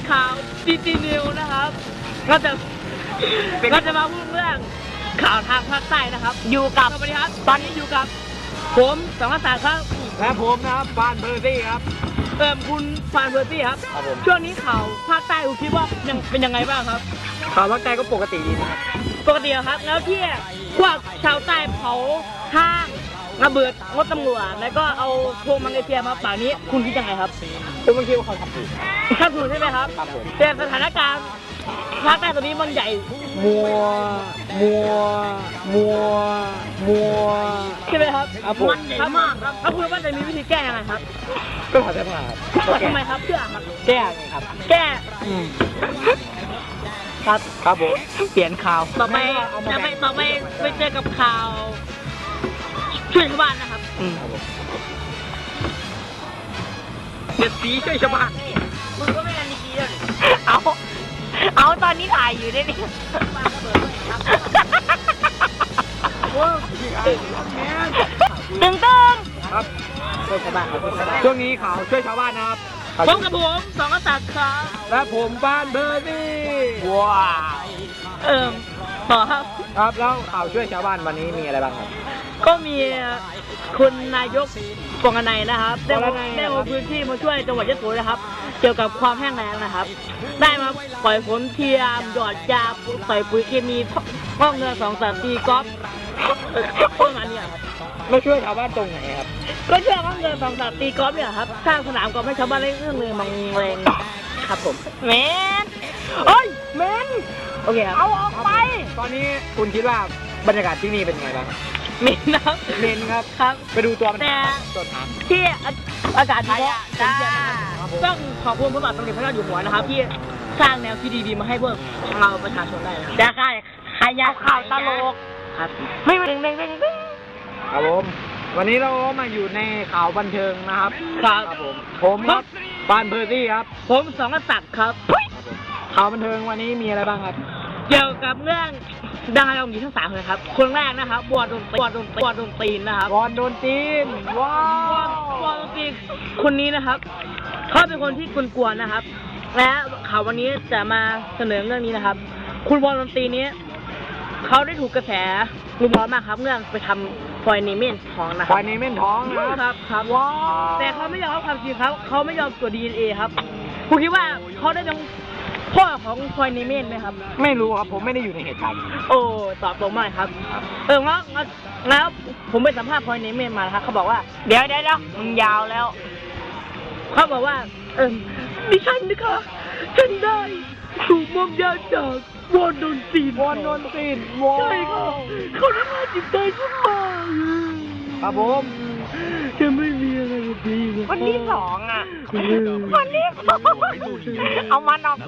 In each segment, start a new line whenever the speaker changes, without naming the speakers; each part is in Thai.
ข่าวดีจีนิวนะครับเราจะมาพูดเรื่องข่าวทางภาคใต้นะครับอยู่กับสวัสดีครับตอนนี้อยู่กับผมสองภาษาครับ
และผมนะครับฟานเพอร์ซี่ครับ
คุณฟานเพอร์ซี่ครับช่วงนี้ข่าวภาคใต้คุณคิดว่ายังเป็นยังไงบ้างครับ
ข่าวภาคใต้ก็ปกติดีนะครับ
ปกติครับแล้วที่พวกชาวใต้เผาห้างระเบิดรถตำรวจแล้วก็เอาพวงมังกรเทียมาป่านี้คุณคิดยังไงครับ
ผมคิดว่าเขาทำถูก
ใช่ไหมครับ
ครับผม
แต่สถานการณ์ภาคใต้ตอนนี้มันใหญ่
มัว
ใช่ไหมครับ
มันใหญ่มาก
ครับถ้าคุณว่าจะมีวิธีแก้ยังไงครับ
ก็ถอดเสื้อผ้าครับ
ทำไมครับเพื่อครับ
แก้ไงครับ
แก้
ครับผม
เปลี่ยนข่าวต่อไปไปเจอกับข่าวช่วยชาวบ้านนะครับ
เด็ดสีช่วยชาวบ้าน
มึงก็ไม่กันดีเลย
เอาตอนนี้ถ่ายอยู่ด้วยนี่ตึง
ครับช่วยชาวบ้านช่วงนี้ข่าวช่วยชาวบ้านนะครับ
ผมกับผมสองกษัตริย์ครับ
และผมฟานเพอร์ซี่
ว้าวต่อครับ
แล้วข่าวช่วยชาวบ้านวันนี้มีอะไรบ้างครับ
ก็มีคุณนายกปองนัยนะครับได้ลงพื้นที่มาช่วยจังหวัดยะโสนะครับเกี่ยวกับความแห้งแล้งนะครับได้มาปล่อยฝนเทียมหยอดยาใส่ปุ๋ยเคมีห้องเงิน2-3 ปีก๊อฟประมาณนี้ครับ
ไม่ช่วยชาวบ้านตรงไหนครับ
ก็ช่วยห้องเงิน2-3 ปีก๊อฟเนี่ยครับสร้างสนามกอล์ฟให้ชาวบ้านเล่นเรื่องเลยมังแรงครับผม
เมนโอ้ยเมน
โอเคครับ
เอาออกไป
ตอนนี้คุณคิดว่าบรรยากาศที่นี่เป็นยังไงบ้าง
เมนนะครับครับ
ไปดูตัวมัน
แต่
ต้นน้
ำที่อากาศดีต้องขอบคุณพระบาทสมเด็จพระเจ้าอยู่หัวนะครับที่สร้างแนวที่ดีๆมาให้พวกเราประชาชนได้นะ
จะขายาข่าวตลก
ครับ
ไม่
ครับผมวันนี้เรามาอยู่ในข่าวบันเทิงนะครับผมครับฟานเพอร์ซี่ครับ
ผมสองกษัตริย์ครับ
ข่าวบันเทิงวันนี้มีอะไรบ้างครับ
เกี่ยวกับเรื่องดาราหญิงทั้ง3 คนครับคนแรกนะครับบอลโดนตีนนะครับ
บอลโดนตีนว้าว
บอลโดนตีนคนนี้นะครับเขาเป็นคนที่กวนๆนะครับและข่าววันนี้จะมาเสนอเรื่องนี้นะครับคุณบอลโดนตีนนี้เขาได้ถูกกระแสรุมร้อนมากครับเรื่องไปทำพอยเนเมนท้องนะครับ
พอยเนเมนท้อง
ครับว้าวแต่เขาไม่ยอมรับความจริงครับเขาไม่ยอมตรวจ DNA ครับคุณคิดว่าเขาได้เป็นพ่อของพอยเนเมนไหมครับ
ไม่รู้ครับผมไม่ได้อยู่ในเหตุการณ์
โอ้ตอบตรงมากครับแล้วผมไปสัมภาษณ์พอยเนเมนมาครับเขาบอกว่า
เดี๋ยวมึงยาวแล้ว
เขาบอกว่าดิฉันนะคะฉันได้ถูกมอมยาจากวอนโดนตีนใช่ครับเขาได้มาจิตใจฉันมา
ครับผม
จะไม่มีอะไรดี
คนที่2อ่ะคนที่2เอามันออก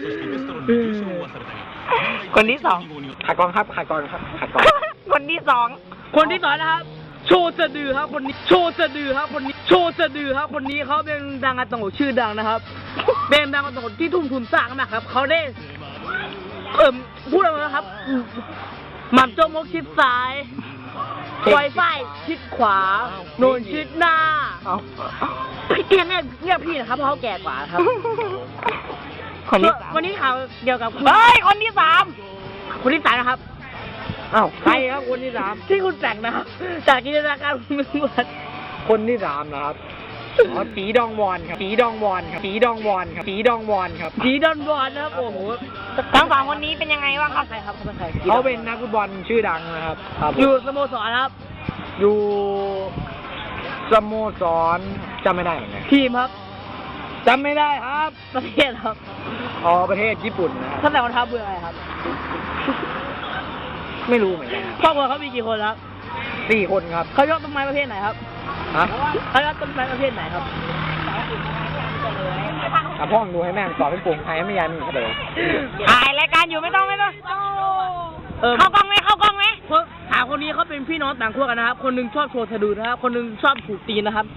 คนที่2
ขัดกองครับขัดกอง
คนที่2
นะครับโชว์สะดือครับคนนี้โชว์สะดือครับคนนี้เขาเป็นดังอาตงชื่อดังนะครับเป็นดังอาตงที่ทุ่มทุนสร้างมากครับเขาได้พูดอะไรนะครับหม่ำโจมกชิดซ้ายไวไฟชิดขวาโนนชิดหน้าพี่เรียกพี่นะครับเพราะเขาแก่กว่าครับ
คนที่
วันนี้ข่าวเกี่ยวกับคุณ
คนที่
3นะครับ
ใครครับคนที่3
ที่คุณแต่งนะครับจากจินตนาการคุณเป็น
คนที่3นะครับสีดองวอนครับสีดอนวอนครับ
โอ้โห
ทั้ง3คนนี้เป็นยังไงบ้างครับ
ใครครับ
เขาเป็นนักฟุตบอลชื่อดังนะครับ
อยู่สโมสรครับ
อยู่สโมสรจำไม่ได้เหมือนกัน
ทีมครับ
จำไม่ได้ครับ
ประเทศครับ
ประเทศญี่ปุ่นนะครับ
ท่านแต่วันทัพเบื่ออะไรครับ
ไม่รู้เหมือนกัน
ครอบครัวเขามีกี่คนครับ
4 คนครับ
เขายกต้นไม้ประเภทไหนครับเขายกต้นไม้ประเภทไหนครับ
พ่อดูให้แม่สอนเป็นปุ่มไทยไม่ยันเฉลย
ถ่ายรายการอยู่ไม่ต้องเข้ากล้องไหม
เพราะถามคนนี้เขาเป็นพี่น้องต่างขั้วกันนะครับคนนึงชอบโชว์สะดือนะครับคนนึงชอบถูกตีนนะครับ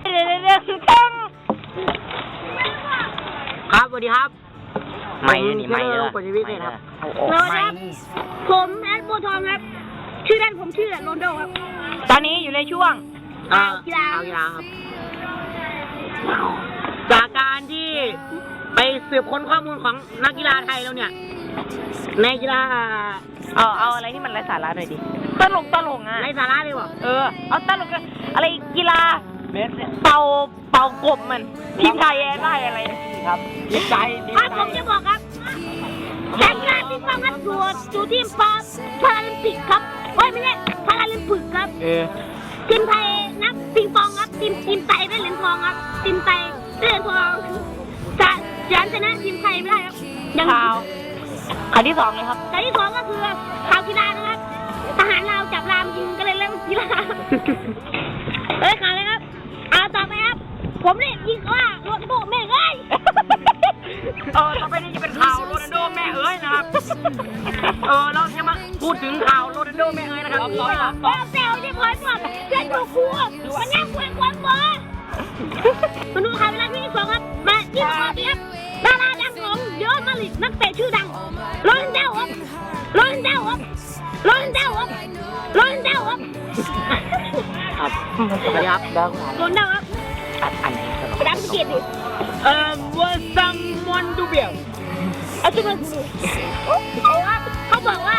ครับสวัสดีครับ
ไม่เลย
คนชีวิตเลยครับ
ผมแอดโบทอมครับชื่อเล่นผมชื่อโรนโดครับตอนนี้อยู่ในช่วง
กีฬาครับจากการที่ไปสืบค้นข้อมูลของนักกีฬาไทยแล้วเนี่ยในกีฬา
เอาอะไรที่มันไร้สาระหน่อยดิตลกอ่ะ
ในสาระดีกว่า
เอาตลกอะไรกีฬาเป่ากบมันทีมไทยได้อะไรครับ
ดีใจ
ผมจะบอกครับแข่งกีฬาปิงปองครับสู่ทีมพาราลิมปิกครับไม่ใช่พาราลิมปิกครับทีมไทยนักปิงปองครับทีมไทยได้เหรียญทองครับทีมไทยได้เหรียญทองจะชนะทีมไทยไม่ได้ครับยังข่าวที่สองเลยครับข่าวที่สองก็คือข่าวกีฬานะครับทหารเราจับรามยิงก็เลยเล่นกีฬาข่าวเลยครับเอาต่อไปครับผมเนี่ยยิงว่าโรนัลโดแม่เอ้ย
ต่อไปนี้จะเป็นข่าวโรนัลโดแม่เอ้ยนะครับเราจะมาพูดถึงข่าวโรนัลโดแม่เอ้ยนะครับ
แซวที่พอยก่อนเพื่อนดูครูมันยังควรความบอมาดูข่าวเวลาที่สองครับมาที่สองครับดาราดังของเยอะมาลิกนักเตะชื่อดังโรนัลโดครับโรนัลโดครับโรนัลโดครับโรนัลโดครับ
ครับสวัสดีครับ
โรนัลโดครับ
อันไหน
ดังเกียรติ
ว่าซัมมอนดูเบีย
เอาจุดมาดูเขาบอกว่า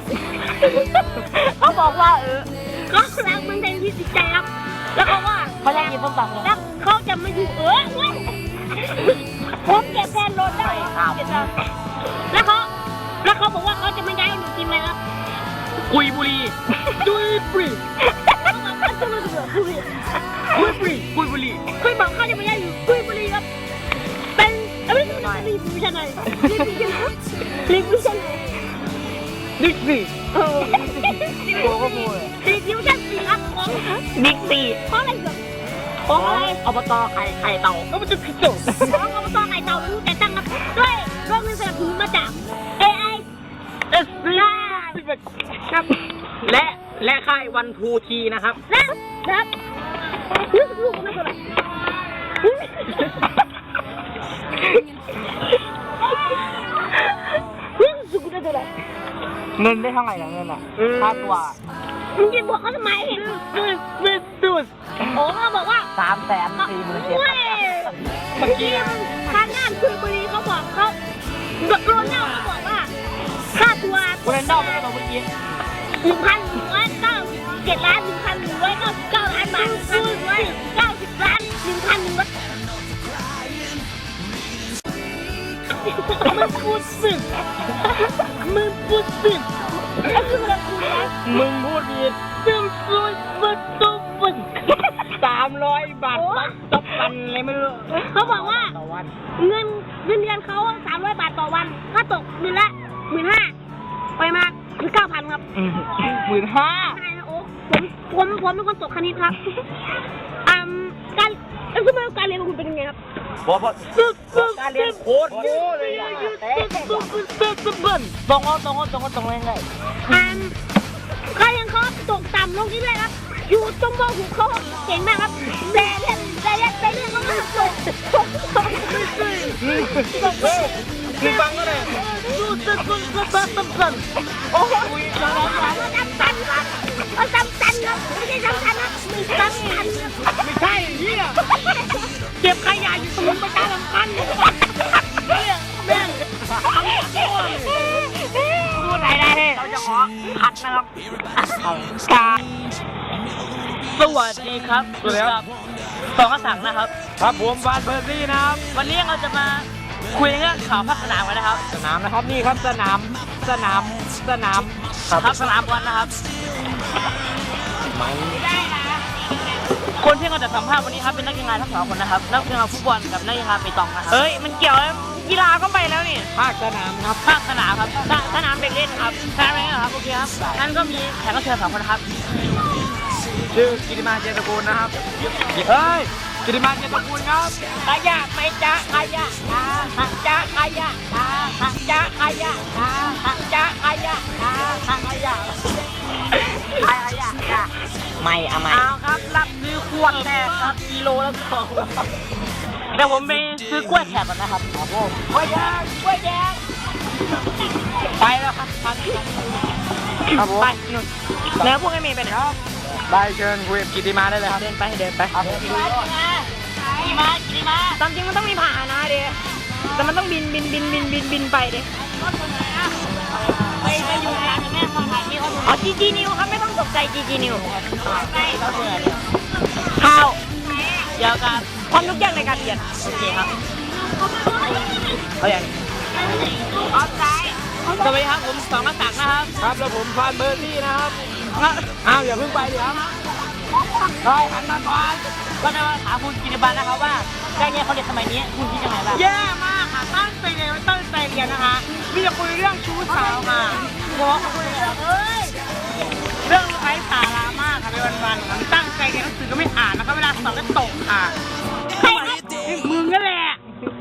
เขารักเมืองไทยที่จิตใจครับแล้วเขาว่าเขาจะกินต้มตำเลยแล้วเขาจะไม่อยู่ผมเก็บแทนรถได้แล้วเขาบอกว่าเขาจะไม่ย้ายหนูทีมเลยครับ
กุยบุรีดุยบุรี
เขาบอกว่าจะมาอยู่กุย
กุยบุรี
คุยบอกเขาจะไม่ย้ายอยู่กุยบุรีครับเป็นไม่ใช่ลีบิวชันไหนลีบิวชันไหน
ดิสนี
โกก็โมย
ลีบิวชัน4ครับของบิ๊กซีเพราะอะไรเกิดของอะไร
อบตไข่เต่าก็มันจะพิจารณา
ของอบตไข่เต่ารู้แต่ตั้งครับด้วยโรงเรียนสนับสนุนมาจาก AI
ครับและค่ายวันทูทีนะครับ
นะครับนึกลูกไม่เท่าไหร่นึกสุกได้เท่าไหร่
เงินได้เท่าไหร่เงินอ่ะค่าตัว
มึงจะบอกเขาทำไมโอ้เขาบอกว่า
347,000
เมื่อกี้ทางงานคุยบุรีเขาบอกเขาโรนัลโดเขาบอกว่าค่าตัว
โรนัลโดไม่ได้ตัวเมื่อกี้
1,197 ล้าน 1,199 ล้านบาท1,190 ล้าน 1,100มึงพูดสึกไอ้คืออะไรกูนะ
มึงพูดผิดซึ่งซุยฟุตตุฟุต300 บาทต่อวันเลยไม่รู้
เขาบอกว่า
ต่อวัน
เงินเดือนเขา300 บาทต่อวันถ้าตกเดือนละ 15,000 ไปมาคือ 9,000 ครับ
15,000
ใช่นะโอ้ผมเป็นคนตกคณิตครับการสมัยการเรียนของคุณเป็นยังไงครับ
การเรียนโคตรโง่เลยอ่ะตรงเลยเลย
การเรียนเขาตกต่ำลงที่เลยครับอยู่ตรงมอหูเขาเก่งมากครับแต่เรื่องเขาไม่ตก
คือฟังก็เลยโอ้ย
เอาซ้ำตันครับไม่ใช่ซ้ำตันครับมีซ้ำตันครับ
ไม่ใช่เฮีย
เก็บขยะอยู่ตรงนี้ประชาสัมพันธ์แม่งพูดไหนได้เราจะขอขัดนะครับการสวัสดีครับสองกระสังนะครับ
ครับผมฟานเบอร์ซี่นะครับ
วันนี้เราจะมาคุยเรื่องข่าวภาคสนามกันนะครับ
สนามนะครับนี่ครับสนาม
ครับสนามบอลนะครับคนที่เราจะสัมภาษณ์วันนี้ครับเป็นนักกีฬาทั้งสองคนนะครับนักกีฬาฟุตบอลกับนักกีฬาเปตองนะครับเฮ้ยมันเกี่ยวแล้วกีฬาก็ไปแล้วนี่
ภาคสนามครับ
ภาคสนามครับสนามเด็กเล่นครับสนามเด็กเล่นครับโอเคครับงั้นก็มีแขกรับเชิญสองคนนะครับ
ชื่อกิติมาเจตกูลนะครับเฮ้ยกิติมาเจตกูลครับ
ขยะไม่จ้าขยะหักจ้าขยะหักจ้าขยะหักจ้าขยะหักขยะไม่เอาไม่เอาครับรับซื้อขวดแรกครับกิโลละ2เดี๋ยวผมไปซื้อกล้วยแขกก่อนนะครับครับผมกล้วยแดงไปแล้วครับ
ครับผม
ไปนู่นแล้วพวกไอ้เมย์ไปไหนครับ
ได้เชิญคุยกับกิติมาได้เลยครับ
เดินไปครับ
กี่มาตามจริงมันต้องมีผ่านะเด็ก
แต่มันต้องบินไปดิไปอยู่ร้านแม่ฟังถ่ายนี่เขาอ๋อจีนิวครับไม่ต้องตกใจจีนิวข้าวเดี๋ยวกันพร้อมทุกอย่างในการเรียนโอเคครับเอาอย่างเอาใจสวัสดีครับผมสองกษัตริย์นะครับ
ครับแล้วผมฟานเบอร์ซี่นะครับอ้าวอย่าเพิ่งไปดิครับได้หันมาก่อน
ก็จะมาถามคุณกิติบันนะครับว่าการเรียนเขาเรียนสมัยนี้คุณคิดยังไงบ้างแย่มากค่ะตั้งใจเรียนนะคะมีแต่คุยเรื่องชู้สาวค่ะเพราะคุยเรื่องไร้สาระมากค่ะในวันๆค่ะตั้งใจเรียนหนังสือก็ไม่อ่านนะคะเวลาสอบก็ตกค่ะใครครับมึงนั่นแหละ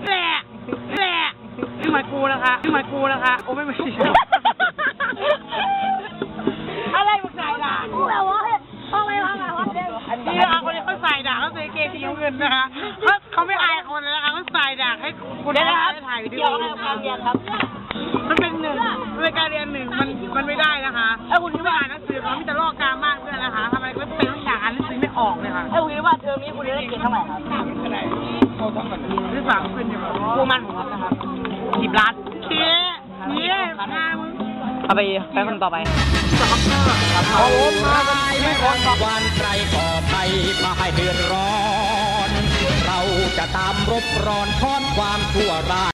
นี่หมายกูนะคะโอ้ไม่ใช่อะไรมึงใส่ด่ากูแบบว่าพ่อไม่ว่าไงวะนี่นะคะคนนี้เขาใส่ด่าเขาใส่เกงสีน้ำเงินนะคะเขาไม่อายคนเลยนะคะเขาใส่ด่าให้คุณได้ถ่ายวิดีโอการเรียนครับมันเป็นการเรียนหนึ่งมันไม่ได้นะคะถ้าคุณไม่อ่านหนังสือเขามีแต่ลอกกามากด้วยนะคะทำไมก็เป็นต้องอย่างอ่านหนังสือไม่ออกเลยค่ะถ้าคุณคิดว่าเทอมนี้คุณได้เกรดเท่าไหร่ครับที่สามขึ้นอยู่ครูมันผมนะครับ10 ล้านนี่เอาไปคนต่อไป
เอาผมมากันไม่คน
วันใครก่อภัยมาให้เดือดร้อน เราจะตามรบร้อนทอนความชั่วร้าย